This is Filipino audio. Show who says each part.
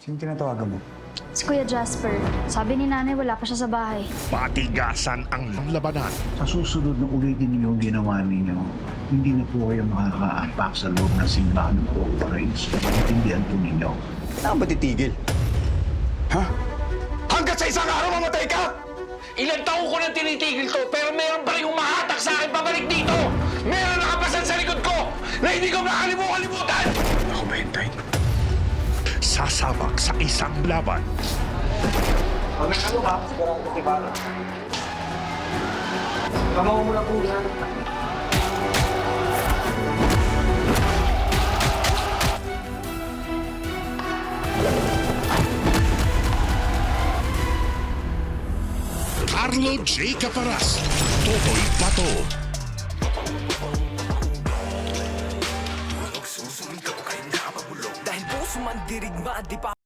Speaker 1: Sino tinatawagan mo?
Speaker 2: Si Kuya Jasper, sabi ni nanay wala pa siya sa bahay.
Speaker 3: Patigasan ang labanan.
Speaker 4: Sa susunod na ulitin niyo yung ginawa ninyo, hindi na po kayo makaka-unpack sa loob ng simbahan ng Corporates. Intindihan po ninyo.
Speaker 1: Saan ba titigil? Ha?
Speaker 3: Hanggat sa isang araw mamatay ka! Ilang taon ko nang tinitigil to, pero meron pa rin humahatak sa akin pabalik dito! Meron nakapasan sa likod ko na hindi ko makalimutan!
Speaker 4: Ako ba yung type?
Speaker 3: Sasabak sa isang laban.
Speaker 1: Pag may ano ka, sigurado ko kibara. Kamaw mo na po yan.
Speaker 3: Arlo J. Caparas, Totoy Pato.
Speaker 5: Dahil puso man dirigma, di pa